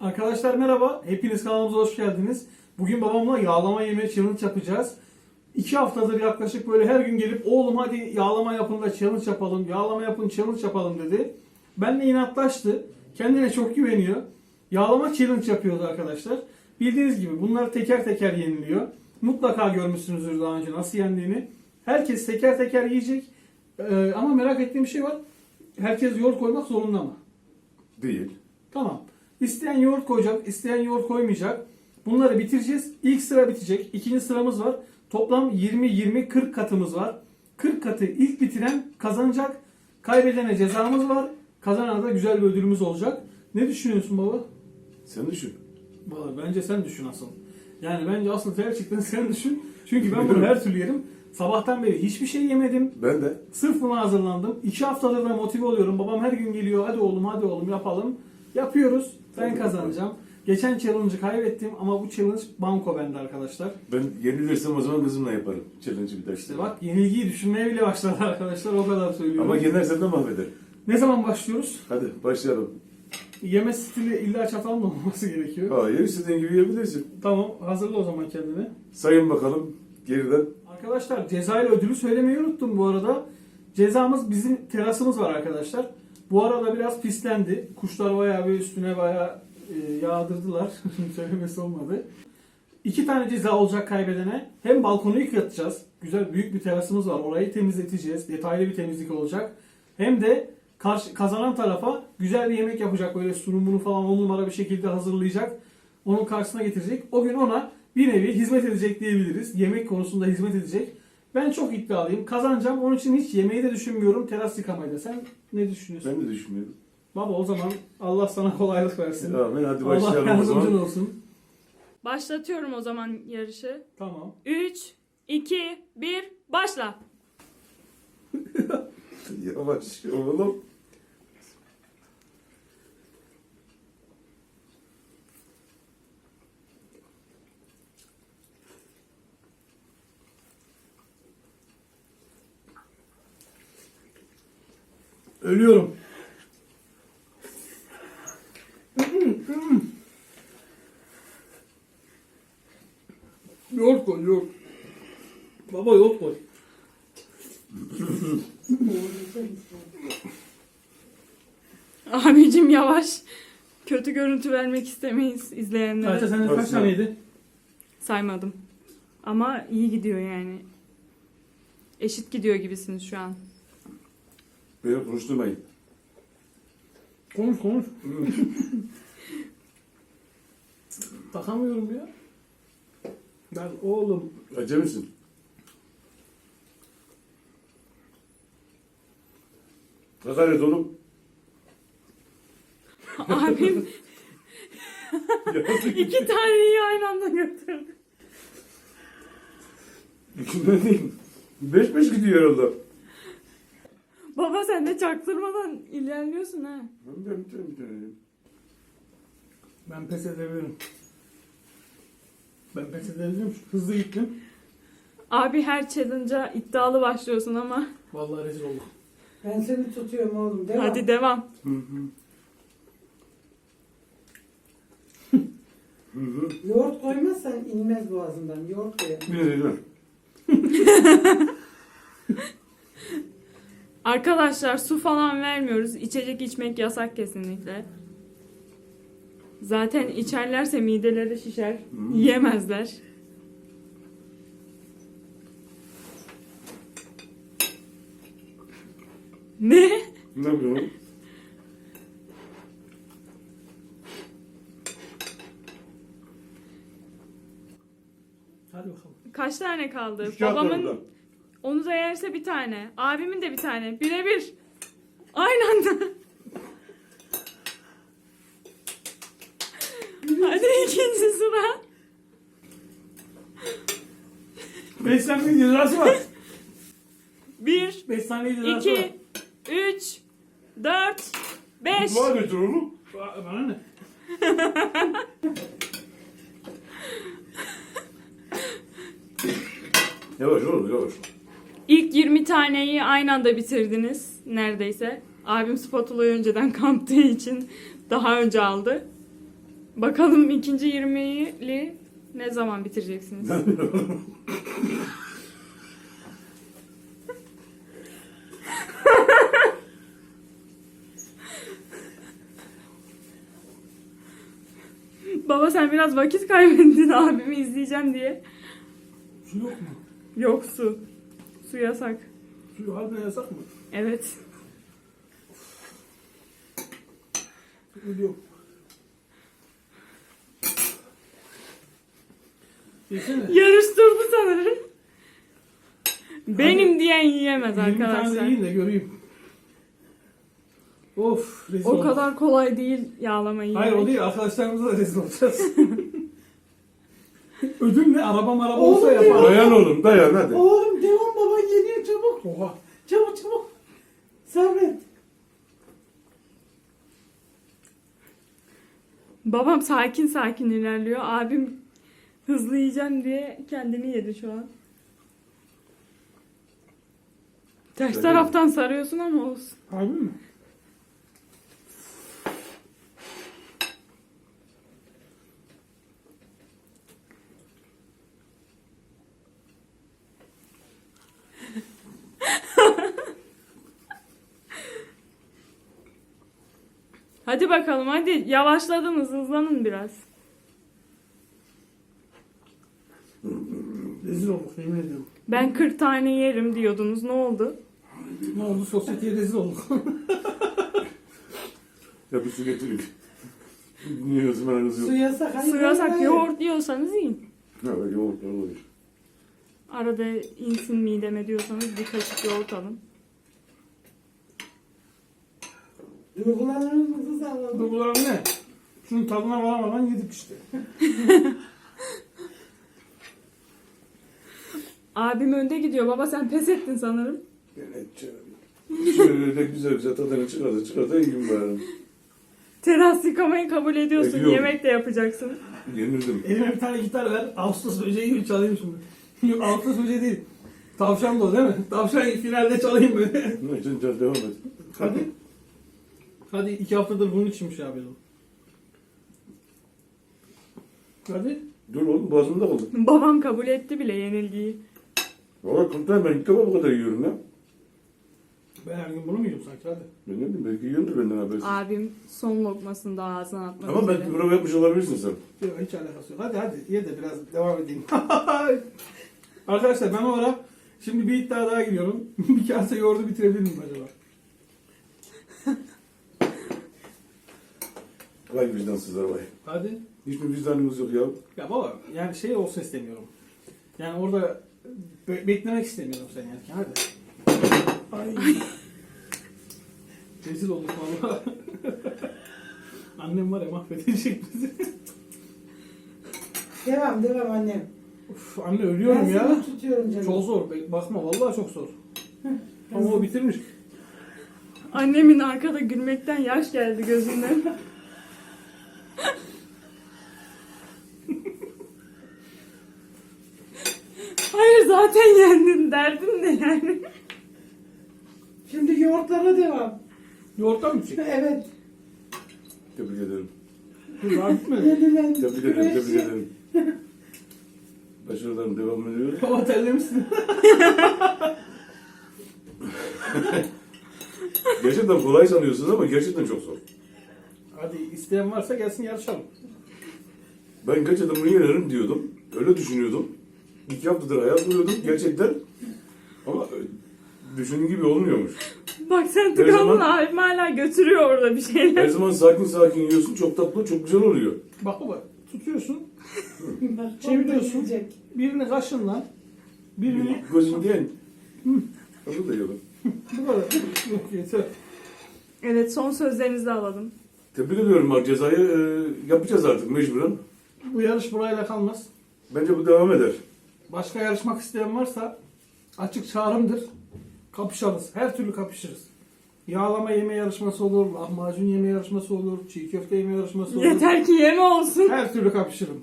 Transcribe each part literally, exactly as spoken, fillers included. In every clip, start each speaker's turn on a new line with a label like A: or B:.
A: Arkadaşlar merhaba, hepiniz kanalımıza hoş geldiniz. Bugün babamla yağlama yeme challenge yapacağız. İki haftadır yaklaşık böyle her gün gelip oğlum hadi yağlama yapın da challenge yapalım, yağlama yapın challenge yapalım dedi. Benle inatlaştı, kendine çok güveniyor. Yağlama challenge yapıyoruz arkadaşlar. Bildiğiniz gibi bunlar teker teker yeniliyor. Mutlaka görmüşsünüzdür daha önce nasıl yendiğini. Herkes teker teker yiyecek. Ee, ama merak ettiğim bir şey var. Herkes yoğurt koymak zorunda mı?
B: Değil.
A: Tamam. İsteyen yoğurt koyacak, isteyen yoğurt koymayacak. Bunları bitireceğiz. İlk sıra bitecek. İkinci sıramız var. Toplam yirmi yirmi kırk katımız var. kırk katı ilk bitiren kazanacak. Kaybedene cezamız var. Kazanana da güzel bir ödülümüz olacak. Ne düşünüyorsun baba?
B: Sen düşün.
A: Vallahi bence sen düşün asıl. Yani bence asıl gerçekten sen düşün. Çünkü ben bunu her türlü yerim. Sabahtan beri hiçbir şey yemedim.
B: Ben de.
A: Sırf buna hazırlandım. İki haftadır da motive oluyorum. Babam her gün geliyor. Hadi oğlum hadi oğlum yapalım. Yapıyoruz. Ben kazanacağım. Geçen challenge'ı kaybettim ama bu challenge banko bende arkadaşlar.
B: Ben yenilirsem o zaman kızımla yaparım. Challenge'ı bir daha işte.
A: İşte bak yenilgiyi düşünmeye bile başladı arkadaşlar. O kadar söylüyorum.
B: Ama yenersen de mahveder.
A: Ne zaman başlıyoruz?
B: Hadi başlayalım.
A: Yeme stili illa çatalla olması gerekiyor.
B: Hayır, istediğin gibi yiyebilirsin.
A: Tamam hazırla o zaman kendini.
B: Sayın bakalım geriden.
A: Arkadaşlar ceza ile ödülü söylemeyi unuttum bu arada. Cezamız bizim terasımız var arkadaşlar. Bu arada biraz pislendi. Kuşlar bayağı bir üstüne bayağı e, yağdırdılar. Söylemesi olmadı. İki tane ceza olacak kaybedene. Hem balkonu yıkatacağız. Güzel büyük bir terasımız var. Orayı temizleteceğiz. Detaylı bir temizlik olacak. Hem de karşı, kazanan tarafa güzel bir yemek yapacak. Böyle sunumunu falan on numara bir şekilde hazırlayacak. Onun karşısına getirecek. O gün ona bir nevi hizmet edecek diyebiliriz. Yemek konusunda hizmet edecek. Ben çok iddialıyım. Kazanacağım. Onun için hiç yemeği de düşünmüyorum. Teras yıkamayı da. Sen ne düşünüyorsun?
B: Ben de düşünmüyorum.
A: Baba o zaman Allah sana kolaylık versin.
B: Tamam, hadi
A: Allah
B: başlayalım o
A: yardımcın
B: zaman.
A: olsun.
C: Başlatıyorum o zaman yarışı.
A: Tamam.
C: üç, iki, bir, başla.
B: Yavaş oğlum.
A: Ölüyorum. Yoğurt koy, yoğurt. Baba yoğurt koy.
C: Abicim yavaş. Kötü görüntü vermek istemeyiz izleyenlere.
A: Ayşe senin kaç
B: Kaç
A: taneydi?
C: Saymadım. Ama iyi gidiyor yani. Eşit gidiyor gibisiniz şu an.
B: Beni konuşturmayın.
A: Konuş konuş. Takamıyorum ya. Ben oğlum.
B: Acemisin. Ne kadar et oğlum?
C: Abim
B: Yazık.
C: iki taneyi aynı anda götürdü.
B: İkisinden değil. Beş beş gidiyor herhalde.
C: Baba sen de çaktırmadan ilerliyorsun ha.
B: Ben de bir tane bir tane.
A: Ben pes edebilirim. Ben pes edebilirim. Hızlı gittim.
C: Abi her challenge'a iddialı başlıyorsun ama.
A: Vallahi rezil olduk.
D: Ben seni tutuyorum oğlum. Devam.
C: Hadi devam.
B: Hı hı. Hı hı.
D: Yoğurt koymazsan inmez boğazından. Yoğurt koy.
B: Bir de dur.
C: Arkadaşlar su falan vermiyoruz. İçecek içmek yasak kesinlikle. Zaten içerlerse mideleri şişer. Yiyemezler. Ne?
B: Ne yapıyorsun?
A: Hadi bakalım.
C: Kaç tane kaldı?
B: Üç kağıt var
C: Babamın
B: burada.
C: onu da yerse bir tane. Abimin de bir tane. Birebir. Aynı anda. Hadi ikinci sıra.
A: beş saniye cezası var.
C: Bir,
A: beş saniye cezası var.
C: iki, üç, dört, beş.
B: Dua götür oğlum.
A: Ba- Bana ne?
B: Yavaş oğlum yavaş.
C: İlk yirmi taneyi aynı anda bitirdiniz neredeyse. Abim spatulayı önceden kamptığı için daha önce aldı. Bakalım ikinci yirmili ne zaman bitireceksiniz? Baba sen biraz vakit kaybettin abimi izleyeceğim diye.
A: Su yok mu?
C: Yok su. Su yasak.
A: Su harbiden yasak mı?
C: Evet.
A: Ölüyorum. Yesene.
C: Yarıştırdı sanırım. Benim diyen yiyemez
A: yirmi tane
C: arkadaşlar.
A: de yiyin de göreyim. Of rezil
C: O
A: olduk.
C: kadar kolay değil yağlamayı
A: Hayır
C: yemek.
A: o değil, arkadaşlarımıza da rezil olacağız. Ödül ne? Araba maraba
D: Oğlum
A: olsa
D: ya.
A: yapar.
B: Dayan oğlum dayan hadi.
D: Oğlum devam baba geliyor çabuk.
A: Oha.
D: Çabuk çabuk. Sabret.
C: Babam sakin sakin ilerliyor. Abim hızlı yiyeceğim diye kendini yedi şu an. Ters
B: Öyle
C: taraftan sarıyorsun ama olsun.
A: Harbi mi?
C: Hadi bakalım hadi. Yavaşladınız, hızlanın biraz.
A: Rezil olduk yemin ediyorum.
C: Ben kırk tane yerim diyordunuz. Ne oldu?
A: Ne oldu? Sosyeteye rezil olduk.
B: Ya bir su getireyim. Niye özümen hızı
D: Su
B: yok?
D: yasak. hayır,
C: Su
D: hayır,
C: yasak
D: hayır.
C: yoğurt diyorsanız yiyin.
B: Ha yoğurt olur.
C: Arada insin mideme diyorsanız bir kaşık yoğurt alın.
D: Duygularınızı sağladım.
A: Duygularım ne? Şunun tadına varamadan yedik işte.
C: Abim önde gidiyor. Baba sen pes ettin sanırım.
B: Ben edeceğim. Şöyle de güzel güzel tadını çıkardı çıkardı yiyeyim bari.
C: Teras yıkamayı kabul ediyorsun.
B: Ediyorum.
C: Yemek de yapacaksın.
B: Yenildim.
A: Elime bir tane gitar ver. Ağustos böceği gibi çalayım şimdi. Yok Ağustos böceği değil. Tavşan da o değil mi? Tavşan finalde çalayım böyle.
B: Ne için can devam et.
A: Hadi. Hadi iki haftadır bunun içinmiş abi. Hadi.
B: Dur oğlum boğazımda kaldı.
C: Babam kabul etti bile yenilgiyi.
B: Valla kurtar ben ilk defa bu kadar yiyorum ya.
A: Ben her gün bunu mu yiyorum sanki? Hadi.
B: Ben ne bileyim belki yiyordur benden habersiz.
C: Abim son lokmasını da ağzına atmak
B: Ama
C: üzere.
B: belki prova yapmış olabilirsin sen.
A: Yok hiç alakası yok. Hadi hadi ye de biraz devam edeyim. Arkadaşlar ben o ara şimdi bir iddia daha giriyorum. Bir kase yoğurdu bitirebilir miyim acaba?
B: Vay vicdansızlar vay.
A: Hadi.
B: Hiçbir vicdanımız yok ya.
A: Ya baba yani şey olsa istemiyorum. Yani orada be- beklemek istemiyorum sen yerken. Hadi. Ay. Rezil olduk valla. Annem var ya mahvedecek bizi.
D: Devam devam annem.
A: Uf, anne ölüyorum
D: Ben
A: ya.
D: seni tutuyorum canım.
A: Çok zor. Be- Bakma vallahi çok zor. Ama o bitirmiş.
C: Annemin arkada gülmekten yaş geldi gözünden. Hayır zaten yendin derdin ne yani?
D: Şimdi yoğurtlara devam.
A: Yoğurttan mı çıktı?
D: Evet.
B: Tebrik ederim.
A: Dur daha bitmedi.
D: Yenilen
B: Tebrik ederim,
D: güreşi.
B: tebrik ederim. Başarılarım devam ediyor.
A: Baba terlemişsin.
B: Gerçekten kolay sanıyorsunuz ama gerçekten çok zor.
A: Hadi isteyen varsa gelsin yarışalım.
B: Ben gerçekten bunu yenerim diyordum. Öyle düşünüyordum. İki haftadır hayat buluyordum gerçekten. Ama e, düşündüğüm gibi olmuyormuş.
C: Bak sen
B: Her
C: tıkandın
B: zaman-
C: abim hala götürüyor orada bir şeyler.
B: Her zaman sakin sakin yiyorsun. Çok tatlı, çok güzel oluyor.
A: Bak baba tutuyorsun.
D: Bak,
A: Çeviriyorsun.
D: yiyecek.
A: Birini kaşınla. Birini
B: Gözün diyen. Onu da yiyorum.
A: bu kadar. Yok yeter.
C: Evet son sözlerinizi alalım.
B: Tebrik ediyorum bak cezayı e, yapacağız artık mecburen.
A: Bu yarış burayla kalmaz.
B: Bence bu devam eder.
A: Başka yarışmak isteyen varsa açık çağrımdır. Kapışalım. Her türlü kapışırız. Yağlama yeme yarışması olur, lahmacun yeme yarışması olur, çiğ köfte yeme yarışması olur.
C: Yeter ki yeme olsun.
A: Her türlü kapışırım.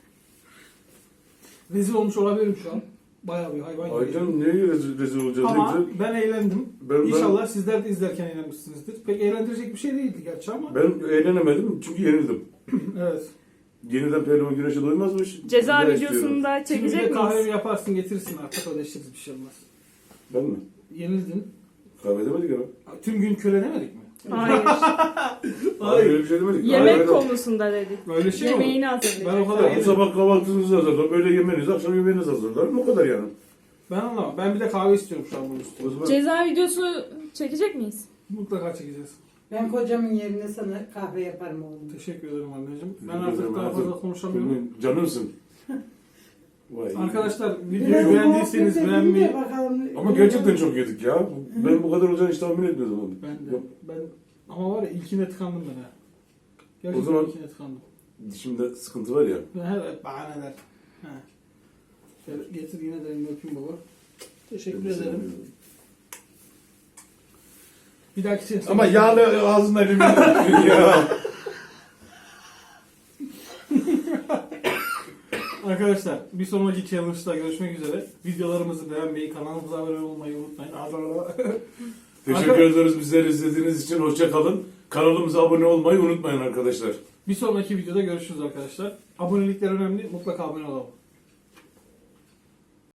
A: Rezil olmuş olabilirim şu an. Bayağı bir hayvan gibi.
B: Aycan neye rezil, rezil olacağız?
A: Ama
B: Ne güzel.
A: ben eğlendim.
B: Ben- ben-
A: İnşallah sizler de izlerken eğlenmişsinizdir. Pek eğlendirecek bir şey değildi gerçi ama.
B: Ben eğlenemedim çünkü yenildim.
A: Evet.
B: yeniden pehlivan güreşe doymazmış.
C: Ceza
B: Bir daha istiyorum.
C: videosunu da
A: Şimdi bir de
C: çekecek
A: kahve
C: miyiz?
A: yaparsın getirirsin artık ödeşiriz bir şey olmaz.
B: Ben mi?
A: Yenildin.
B: Kahve demedik ama.
A: Tüm gün kölenemedik mi?
C: Hayır.
B: Hayır öyle bir şey demedik.
C: Yemek
B: Hayır,
C: konusunda dedik.
A: Öyle şey mi olur?
C: Yemeğini hazırlayacak.
A: Ben o kadar-
B: Bu sabah kahvaltınızı hazırlarım, öğle yemeğinizi, akşam yemeğinizi hazırlarım. O kadar yani.
A: Ben anlamam. Ben bir de kahve istiyorum şu an bunun üstüne.
B: O zaman
C: Ceza videosu çekecek miyiz?
A: Mutlaka çekeceğiz.
D: Ben kocamın yerine sana kahve yaparım oğlum.
A: Teşekkür ederim anneciğim. Ben
B: Teşekkür
A: artık
B: ederim
A: daha
B: hayatım.
A: fazla konuşamıyorum.
B: Canımsın. Vay.
A: Arkadaşlar
D: Biraz
A: videoyu beğendiyseniz
D: muhabbet
A: beğenmeyi...
D: edince bakalım.
B: Ama gerçekten çok yedik ya. Ben bu kadar olacağını hiç tahmin etmiyordum onu.
A: Ben de. Ben... Ama var ya ilkine tıkandım ben ha. Gerçekten
B: O zaman-
A: ilkine tıkandım.
B: Dişimde sıkıntı var ya.
A: Ben evet bahaneler. Ha. Şöyle getir yine de elini öpeyim baba. Teşekkür ederim. Bir dahaki sefere...
B: Ama yağlı ağzına limon ya.
A: Arkadaşlar bir sonraki challenge'da görüşmek üzere. Videolarımızı beğenmeyi, kanalımıza abone olmayı unutmayın.
B: Teşekkür
A: Arka-
B: ederiz bizleri izlediğiniz için. Hoşça kalın. Kanalımıza abone olmayı unutmayın arkadaşlar.
A: Bir sonraki videoda görüşürüz arkadaşlar. Abonelikler önemli. Mutlaka abone olalım.